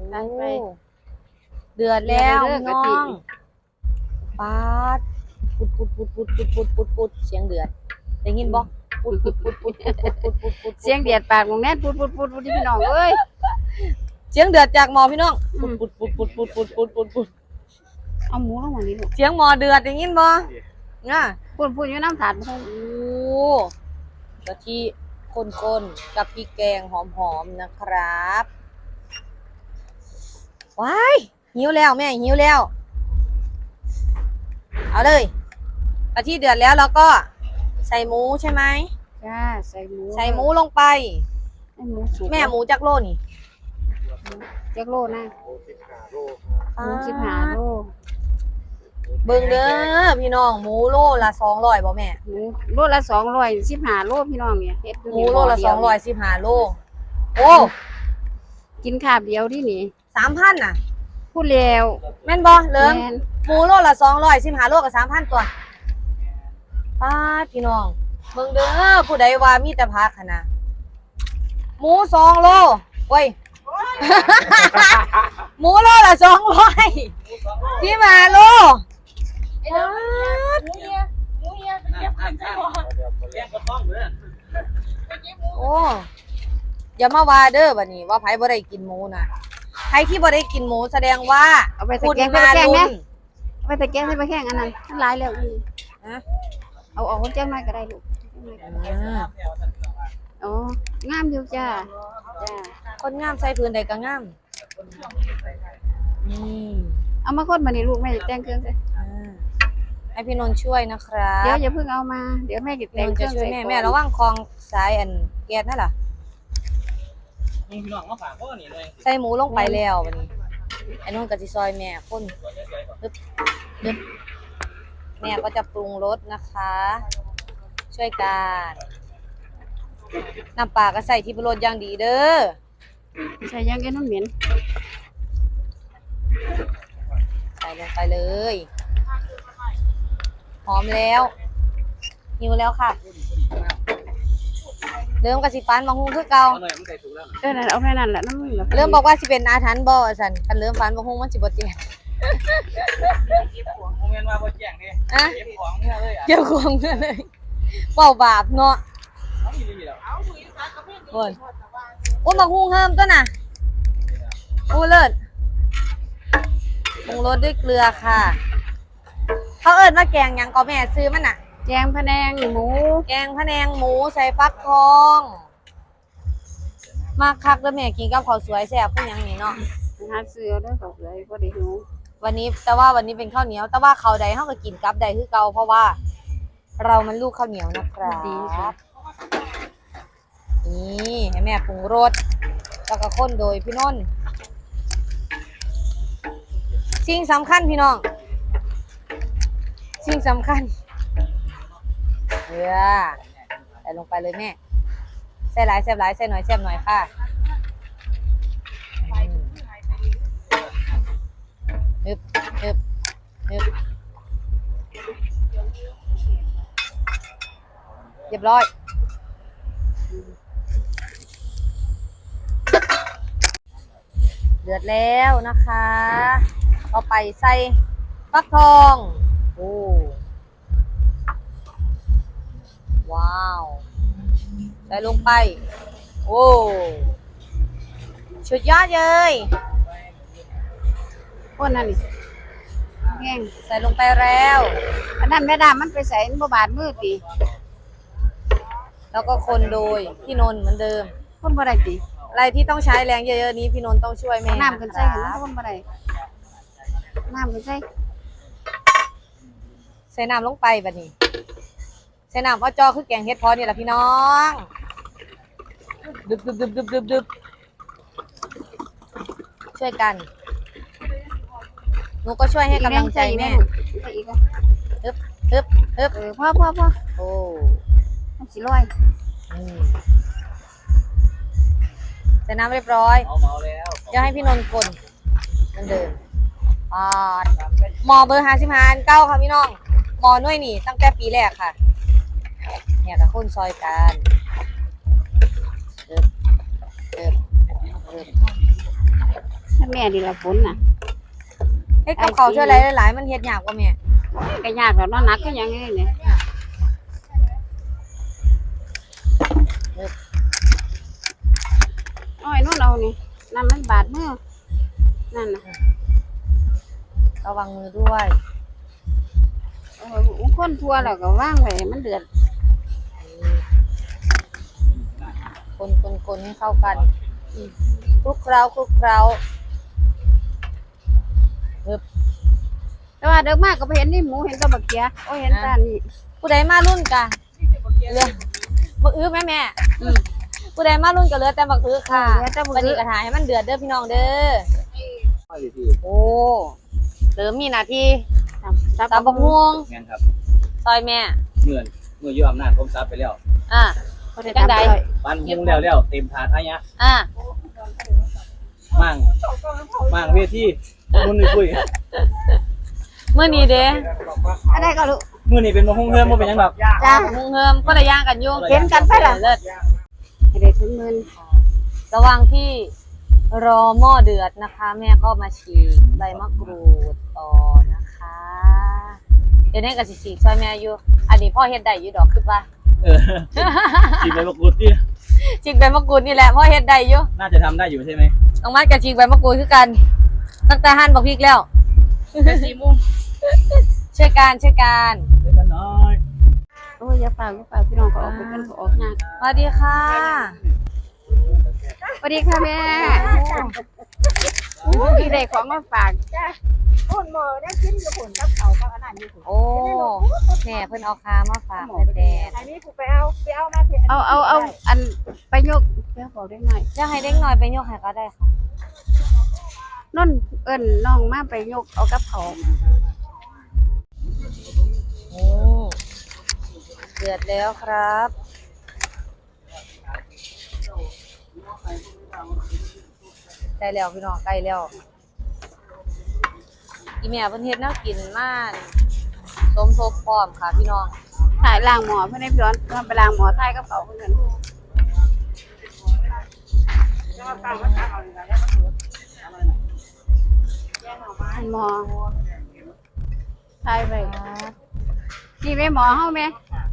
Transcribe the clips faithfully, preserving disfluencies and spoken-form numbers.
ตั้งไปเดือดแล้วน้องปาดปุดปุดปุดปุดปุดปุดปุดปุดเสียงเดือดได้ยินบ่ปุดปุดปุดปุดปุดปุดปุดปุดปุดเสียงเดือดปากของแม่ปุดปุดปุดปุดที่พี่น้องเอ้ยเสียงเดือดจากหมอพี่น้องปุดปุดปุดปุดปุดปุดปุดปุดปุดเอาหมูลงมานี่ลูกเสียงหมอเดือดได้ยินบ่ง่ะปุดปุดอยู่น้ำถาดโอ้กะทิข้นๆกับพริกแกงหอมๆนะครับว้ายหิวแล้วแม่หิวแล้วเอาเลยกะทิเดือดแล้วเราก็ใส่หมูใช่ไหมจ้าใส่หมูใส่หมูลงไปหมูสุกแม่หมูจักโลนี่จักโลนะหมูสิบห้าโลเบิ่งเด้อพี่น้องหมูโลละสองร้อยบ่แม่หมูโลละสองร้อยสิบห้าโลพี่น้องเนี่ยเฮ็ดหมูโลละสองร้อยสิบห้าโลโอ้กินคาบเดียวที่นี่สามพันน่ะพูดแล้วแม่นบ่เลิมหมูโลละสองร้อยสิบห้าโลกับสามพันตัวป้าพี่น้องเบิ่งเด้อผู้ใดว่ามีแต่ผักหั่นน่ะหมูสองโลโอ้ยหมูโลละสองร้อยสิบห้าโลหมูเฮียหมูเฮียเก็บขันใช่บ่แกงกระท่อมเลยโอ้อย่ามาว่าเด้อบัดนี้ว่าไผบ่ได้กินหมูน่ะใครที่บ่ได้กินหมูแสดงว่าเอาไปตะแกงไปแกงนะเอาไปตะแกงไปแกงอันนั้นมันหลายแล้วนะเอาออกคนแจ้งน้อยก็ได้ลูกอ๋องามอยู่จ้าจ้าคนงามใส่พื้นใดก็งามนี่เอามาคนมานี่ลูกแม่จะแต่งเครื่องใส่ให้พี่นนท์ช่วยนะครับเดี๋ยวอย่าเพิ่งเอามาเดี๋ยวแม่จะแต่งเครื่องใส่แม่แม่ระวังคลองสายอันแก๊สนั่นล่ะนี่พี่น้องมาฝากพ่อนี่เลยใส่หมูลงไปแล้วบัดนี้ไอ้นุ่นก็สิซอยแม่คนปึ๊บปึ๊บแม่ก็จะปรุงรสนะคะช่วยกันน้ำปลาก็ใส่ที่ปรุงรสอย่างดีเด้อใส่ยังไงน้ำเหม็นใส่ลงไปเลยหอมแล้วหิวแล้วค่ะเริ่มกับสิฟันบางหุ้งคือเก่าเออนั่นเอาแค่นั้นแหละน้ำมันเริ่มบอกว่าสิเป็นอาถรรพ์บ่สันกันเริ่มฟันบางหุ้งมันสิบ่เจ็บเก็บของโมเมนต์ว่าบ่แจ้งนี่อะเก็บของเมื่อเลยอ่ะเก็บของเมื่อเลยเบาบาปเนาะเอาอีหลีแล้วเอาอีสานกับเพิ่นโอ้ยโอ้บางหุ้งเฮิมตัวน่ะโอ้เลิศปรุงรสด้วยเกลือค่ะเขาเอิ้นว่าแกงหยังก็แม่ซื้อมันน่ะแกงพะแนงหมูแกงพะแนงหมูใส่ฟักทองมาคักแล้วแม่กินกับข้าวสวยแซ่บพวกยังนี่เนาะหาซื้อได้ตกเลยบ่ได้หิววันนี้แต่ว่าวันนี้เป็นข้าวเหนียวแต่ว่าข้าวใดเฮาก็กินกับใดคือเก่าเพราะว่าเรามันลูกข้าวเหนียวนะครับดีค่ะนี่ให้แม่ปรุงรสแล้วก็คนโดยพี่นนท์สิ่งสำคัญพี่น้องสิ่งสำคัญเกลือใส่ลงไปเลยแม่ใส่หลายแซ่บหลายใส่หน่อยแซ่บหน่อยค่ะนึบนึบนึบเรียบร้อยเดือดแล้วนะคะเอาไปใส่ฟักทองโอ้ว้าวใส่ลงไปโอ้สุดยอดเลยคนนั่นนี่แห้งใส่ลงไปแล้วอันนั้นแม่ดามันไปใส่บ่บาดมือติแล้วก็คนโดยพี่นนท์เหมือนเดิมคนบ่ได้ติอะไรที่ต้องใช้แรงเยอะๆนี้พี่นนท์ต้องช่วยแม่น้ำกันใส่กันคนบ่ได้น้ำกันใส่ใส่น้ำลงไปบัดนี้ใส่น้ำว่าจอคือแกงเฮ็ดพอนี่แหละพี่น้องดึบดึบดึบดึบดึบดึบช่วยกันหนูก็ช่วยให้กำลังใจแม่ฮึบฮึบฮึบเออพ่อพ่อพ่อโอ้มันสิลอยใส่น้ำเรียบร้อยเดี๋ยวให้พี่นนท์คนเหมือนเดิมอ่าหมอเบอร์ห้าสิบห้าเก้าค่ะพี่น้องหมอหน่วยนี่ตั้งแต่ปีแรกค่ะเนี่ยกับคนซอยกันเอิบเอิบเอิบถ้าแม่ดีละฝนน่ะเฮ็ดกับเขาวช่วยอะไรหลายๆมันเฮ็ดยากกว่าแม่ก็ยากแล้วเนาะหนักก็ยังไงเนี่ยอ้อยนู่นเอานี่น้ำมันบาดมือนั่นน่ะระวังมือด้วยเออคนทั่วแล้วก็ว่างไว้มันเดือดคนคนคนให้เข้ากันคลุกเคล้าคลุกเคล้าแต่ว่าเดิมมากก็ไปเห็นนี่หมูเห็นตัวบักเขียโอ้เห็นตานี่ผู้ใดมารุ่นกะเรือบักอื้อแม่แม่อืมผู้ใดมารุ่นก็เหลือแต่บักอื้อค่ะเหลือแต่บักอื้อวันนี้กระถายให้มันเดือดเด้อพี่น้องเด้อโอ้เหลือมีหน้าที่ตำตำบักม่วงงั้นครับซอยแม่เมื่อนเมื่อยืมอำนาจผมซับไปแล้วอ่ะ จังใดปันมุงแล้วแล้วเต็มถาดอะไรเงี้ยอ่ะมั่งมั่งเวทีมุนนี่คุยเมื่อนี้เด้อะไรก็รู้มื่อนี่เป็นมะฮุ่งเฮือมบ่เป็นหยังแบบจ้ามุงเฮิมก็ระย่างกันอยู่เห็นกันไปล่ะเลิศให้ได้ถึงหมื่นระหว่างที่รอหม้อเดือดนะคะ แม่ก็มาฉีกใบมะกรูดต่อนะคะ เดี๋ยวนี้ก็สิฉีกซอยแม่อยู่ อันนี้พ่อเฮ็ดได้อยู่ดอกคือว่าเออฉีดใบมะกรูดที่ฉีกใบมะกรูดนี่แหละพ่อเฮ็ดได้อยู่น่าจะทำได้อยู่ใช่ไหมน้องมัดกับฉีกใบมะกรูดคือกัน ตั้งแต่หั่นบักพริกแล้วสี่โมงช่วยกันช่วยกันเล็กน้อยโอ้ยอย่าเปล่าอย่าเปล่าพี่น้องก็ออกไปกันก็ออกงานสวัสดีค่ะสวัสดีค่ะแม่พี่ได้ของมาฝากคนหมอได้กินอยู่ผลกับเขากับอันนั้นอยู่ผลโอ้แม่เพิ่นเอาคามาฝากแดดอันนี้กูไปเอาไปเอามาเถอะเอาเอาเอาอันไปยกเพื่อบอกได้หน่อยอยากให้เด็กน้อยไปยกให้ก็ได้ค่ะนนเอิ้นน้องมาไปยกเอากับเขาโอ้เดือดแล้วครับใกล้แล้วพี่น้องใกล้แล้วอีแม่เพิ่นเฮ็ดแนวกินมาสมทบพร้อมค่ะพี่น้องถ่ายล้างหมอเพื่อนให้พี่ร้อนเพื่อนไปล้างหมอถ่ายกับเขาเพื่อนหมอถ่ายไปนี่แม่หมอเฮาแม่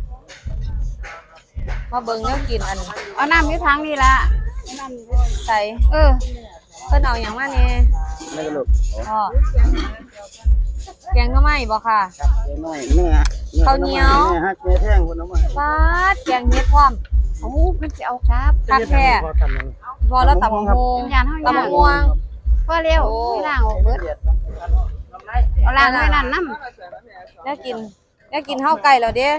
มาเบิ่งแนวกินอันเอาน้ำอยู่ทางนี่ละใส่เออเพิ่นเอาหยังมาแหน่ไม่กระโดดพ่อแกงหน่อไม้บ่ค่ะน้อยเนื้อข้าวเหนียวฮักแม่แท่งคนน้ำมันฟาดแกงเฮ็ดพร้อมโอ้เพิ่นสิเอาครับคักแท้พอแล้วตำบักฮงยานเฮาตำบักม่วงพอเร็วไม่ล้างออกเบิดเอาล้างไว้นั่นน้ำได้กินได้กินข้าวไก่แล้วเด้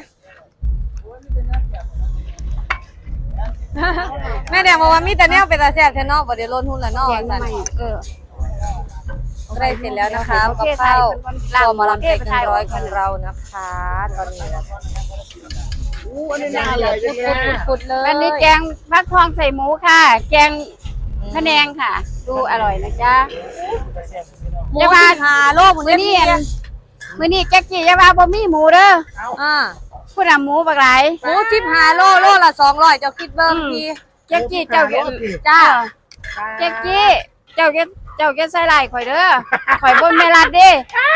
แม่แดงบอกว่ามีแต่แนวเป็นตาแซ่บแท้เนาะบ่ได้ลดหุ้นละเนาะแกงสั่นใหม่เออได้เสร็จแล้วนะคะกับข้าวตัวมาลำเต็กหนึ่งร้อยของเรานะคะ ตอนนี้อู้อันนี้แกน่างเดืเลอดยปุดๆเลยอันนี้แกงฟักทองใส่หมูค่ะ แกงพะแนงค่ะ ดูอร่อยนะจ๊ะหมูจะมาสิบห้าโลหมูมื้อเด้นี้พี่อันมื้อนี้แจ๊กกี้อย่าว่าบ่มีหมูเด้ออ่าพูดน่ะหมูบักหลายหมูสิบห้าโลโลละสองร้อยเจ้าคิดเบิ่งอืมพี่แจ๊กกี้เจ้าอย่าจ้าแจ๊กกี้เจ้าอย่าเจ้าอย่าใส่ร้ายข่อยเด้อข่อยบ่แม่รัดเด้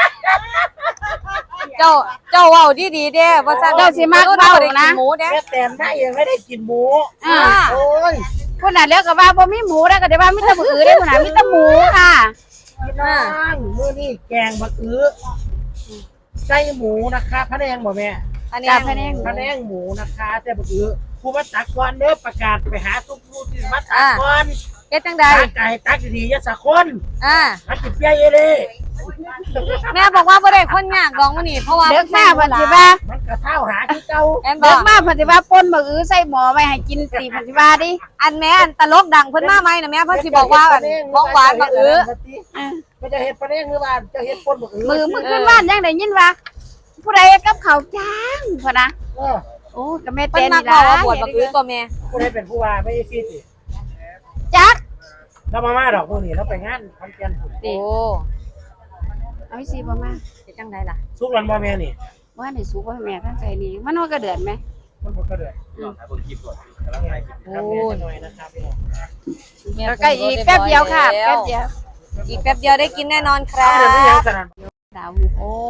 เจ้าเจ้าเว้าดีๆเด้บ่ซั่นเจ้าสิมักเว้านะหมูเด้แม่แต้มได้ยังไม่ได้กินหมูอ่าโอ้ยพูดน่ะแล้วก็ว่าบ่มีหมูแล้วก็ได้ว่ามีแต่มื้ออื่นเด้อพูดน่ะมีแต่หมูค่ะพี่น้องมื้อนี้แกงบักอื้อไส้หมูนะคะพะแนงบ่แม่อันนี้จ้าพะแนงพะแนงหมูนะคะแต่บักอื้อผู้มาตักก่อนเด้อประกาศไปหาทุกผู้ที่มาตักก่อนเฮ็ดจังใดตักไก่ตักดีๆอย่าสะคนอ่าตักจิบเปียเยเลยแม่บอกว่าบ่ได้คนยากดอกมื้อนี้เพราะว่าเด็กมาเพิ่นสิว่ามันกระเท่าหาที่เก่าแอนบเด็อก กมาเพิ่นสิว่าป่นมื้ออื้อใส่หม้อไว้ให้กินสิเพิ่นสิว่าดิอันแม่อันตลกดังเพิ่นมาไหมนะแม่เพิ่นสิบอกว่าอันของหวานมาอื้ออ่ามันจะเฮ็ดปลาแดงหรือว่าจะเฮ็ดป่นบักอื้อมือมือขึ้นบ้านยังได้ยินว่าผู้ใดกับเขาวจ้างพ่นนะเออโอ้ก็แม่เพิ่เต้นนมานี่บอกล่ะว่าบวชบักอื้อตัวแม่ผู้ใดเป็นผู้ว่าไม่ใช่ซีสิจักเรามามาดอกพวกนี้เราไปงานคอนเทนต์โอ้เอาอีสิบ่มาเฮ็ดจังไดล่ะสุกรันบ่แม่นี่ว่าให้สูบ่ให้แม่ทั้งใจนี่มันว่าก็เดือดไหมมันบ่กระเดือดลองถ่ายบนคลิปก่อนกำลังถ่ายคลิปครับแม่จะหน่อยนะครับพี่น้องแม่แล้วก็อีกแป๊บเดียวค่ะแป๊บเดียวแป๊บอีกแป๊บเดียวได้กินแน่นอนครับดาวโอ้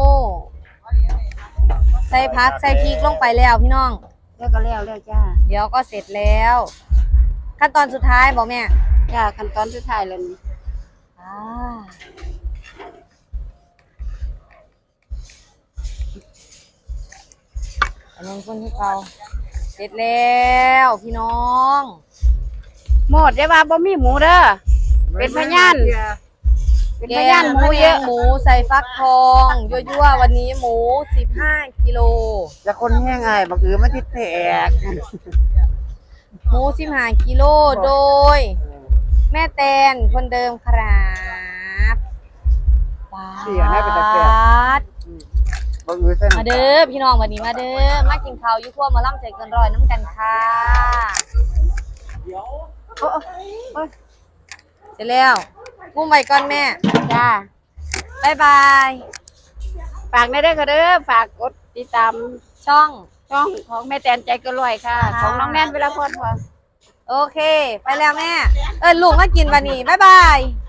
ใส่ผักใส่พริกลงไปแล้วพี่น้องแล้วก็แล้วแล้วจ้าเดี๋ยวก็เสร็จแล้ว ขั้นตอนสุดท้ายบอกแม่จ้าขั้นตอนสุดท้ายแล้วนี่อ่าอันนี้คนที่เขาเสร็จแล้วพี่น้องหมดได้ว่าบ่มีหมูเด้อเป็นพยานเป็นพยานหมูเยอะหมูใส่ฟักทองยั่วๆวันนี้หมูสิบห้ากิโลจะคนแห้งไงบักอือมันติดแตกหมูสิบห้ากิโลโดย แม่แตนคนเดิมครับว้าเสียให้เป็นตะแกรงดบักอือเส้นมาเด้อพี่น้องวันนี้มาเด้อมากินข้าวอยุ่ครัวหมาล่ำใจเกินร้อยน้ำกันค่ะเสร็จแล้วกุ้งใบก้อนแม่จ้าบายบายฝากในเด้อค่ะเด้อฝากกดติดตามช่องช่องของแม่แตนใจเก็รวยค่ะ ของน้องแน่นเวลาพอดพอโอเค ไปแล้วแม่ เออลูกมากินวันนี้บายบาย